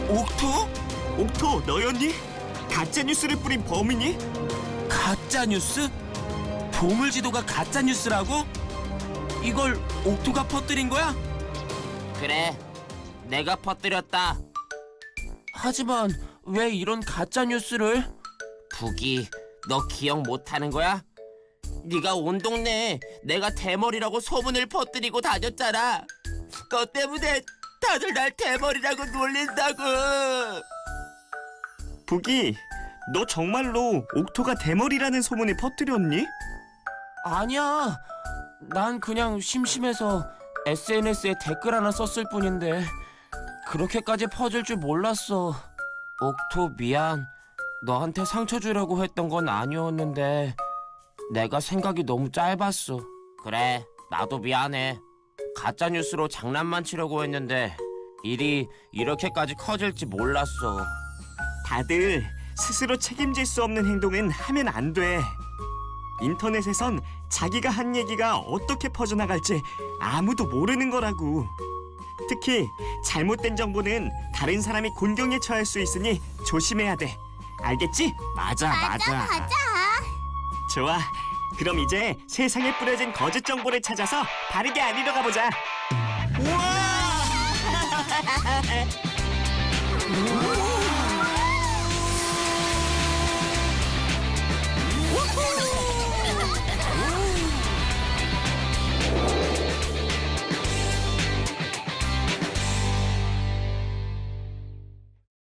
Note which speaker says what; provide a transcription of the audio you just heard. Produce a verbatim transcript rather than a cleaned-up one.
Speaker 1: 옥토?
Speaker 2: 옥토, 너였니? 가짜 뉴스를 뿌린 범인이?
Speaker 1: 가짜 뉴스? 보물 지도가 가짜 뉴스라고? 이걸 옥토가 퍼뜨린 거야?
Speaker 3: 그래, 내가 퍼뜨렸다.
Speaker 1: 하지만 왜 이런 가짜 뉴스를?
Speaker 3: 북이, 너 기억 못하는 거야? 네가 온 동네에 내가 대머리라고 소문을 퍼뜨리고 다녔잖아. 너 때문에 다들 날 대머리라고 놀린다고.
Speaker 2: 북이, 너 정말로 옥토가 대머리라는 소문을 퍼뜨렸니?
Speaker 1: 아니야. 난 그냥 심심해서 에스엔에스에 댓글 하나 썼을 뿐인데 그렇게까지 퍼질 줄 몰랐어. 옥토 미안. 너한테 상처 주려고 했던 건 아니었는데 내가 생각이 너무 짧았어.
Speaker 3: 그래, 나도 미안해. 가짜 뉴스로 장난만 치려고 했는데 일이 이렇게까지 커질지 몰랐어.
Speaker 2: 다들 스스로 책임질 수 없는 행동은 하면 안 돼. 인터넷에선 자기가 한 얘기가 어떻게 퍼져나갈지 아무도 모르는 거라고. 특히 잘못된 정보는 다른 사람이 곤경에 처할 수 있으니 조심해야 돼. 알겠지? 맞아, 맞아.
Speaker 4: 맞아.
Speaker 2: 좋아. 그럼 이제 세상에 뿌려진 거짓 정보를 찾아서 바르게 알리러 가보자. 우와!